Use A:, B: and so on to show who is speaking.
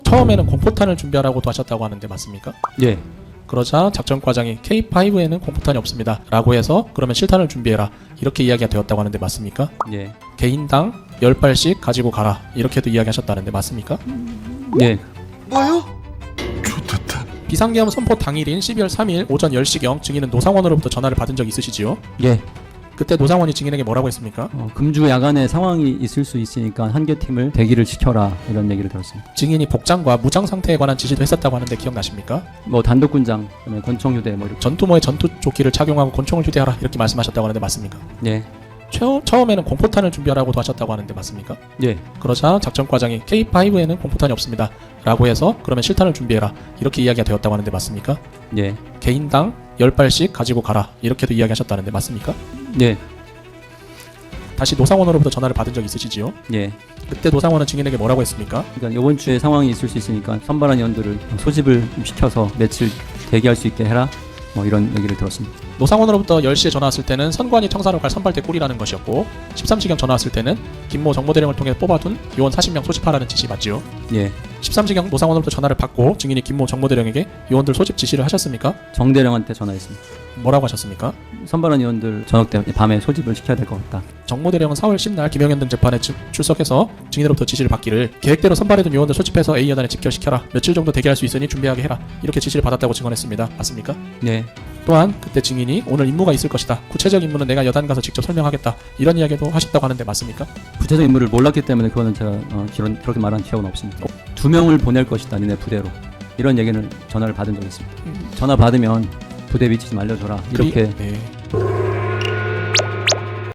A: 처음에는 공포탄을 준비하라고도 하셨다고 하는데 맞습니까?
B: 예.
A: 그러자 작전과장이 K5에는 공포탄이 없습니다 라고 해서 그러면 실탄을 준비해라 이렇게 이야기가 되었다고 하는데 맞습니까?
B: 예.
A: 개인당 10발씩 가지고 가라 이렇게도 이야기하셨다는데 맞습니까?
B: 예.
C: 뭐요? 좋겠다.
A: 비상계엄 선포 당일인 12월 3일 오전 10시경 증인은 노상원으로부터 전화를 받은 적 있으시지요?
B: 예.
A: 그때 노상원이 증인에게 뭐라고 했습니까?
B: 금주 야간에 상황이 있을 수 있으니까 한 개 팀을 대기를 시켜라 이런 얘기를 들었습니다.
A: 증인이 복장과 무장 상태에 관한 지시도 했었다고 하는데 기억나십니까?
B: 뭐 단독군장, 그다음에 권총 휴대 뭐 이렇게.
A: 전투모의 전투조끼를 착용하고 권총을 휴대하라 이렇게 말씀하셨다고 하는데 맞습니까?
B: 예.
A: 처음에는 공포탄을 준비하라고도 하셨다고 하는데 맞습니까?
B: 예.
A: 그러자 작전과장이 K5에는 공포탄이 없습니다 라고 해서 그러면 실탄을 준비해라 이렇게 이야기가 되었다고 하는데 맞습니까?
B: 예.
A: 개인당 10발씩 가지고 가라 이렇게도 이야기하셨다는데 맞습니까?
B: 예.
A: 다시 노상원으로부터 전화를 받은 적 있으시지요?
B: 예.
A: 그때 노상원은 증인에게 뭐라고 했습니까?
B: 그러니까 이번 주에 상황이 있을 수 있으니까 선발한 의원들을 소집을 시켜서 며칠 대기할 수 있게 해라. 뭐 이런 얘기를 들었습니다.
A: 노상원으로부터 10시에 전화 왔을 때는 선관위 청사로 갈 선발대 꿀이라는 것이었고 13시경 전화 왔을 때는 김모 정보대령을 통해 뽑아둔 요원 40명 소집하라는 지시 맞지요?
B: 예.
A: 13시경 노상원으로부터 전화를 받고 증인이 김모 정보대령에게 요원들 소집 지시를 하셨습니까?
B: 정대령한테 전화했습니다.
A: 뭐라고 하셨습니까?
B: 선발한 의원들 저녁 때 밤에 소집을 시켜야 될 것 같다.
A: 정보대령은 4월 10날 김영현 등 재판에 출석해서 증인으로부터 지시를 받기를 계획대로 선발해둔 요원들 소집해서 A여단에 집결시켜라 며칠 정도 대기할 수 있으니 준비하게 해라 이렇게 지시를 받았다고 증언했습니다. 맞습니까?
B: 네.
A: 또한 그때 증인이 오늘 임무가 있을 것이다 구체적 임무는 내가 여단 가서 직접 설명하겠다 이런 이야기도 하셨다고 하는데 맞습니까?
B: 구체적 인물을 몰랐기 때문에 그거는 제가 그렇게 말한 기억은 없습니다. 2명을 보낼 것이다 니네 부대로 이런 얘기는 전화를 받은 적이 있습니다. 전화 받으면 부대 위치 좀 알려줘라 이렇게
A: 네.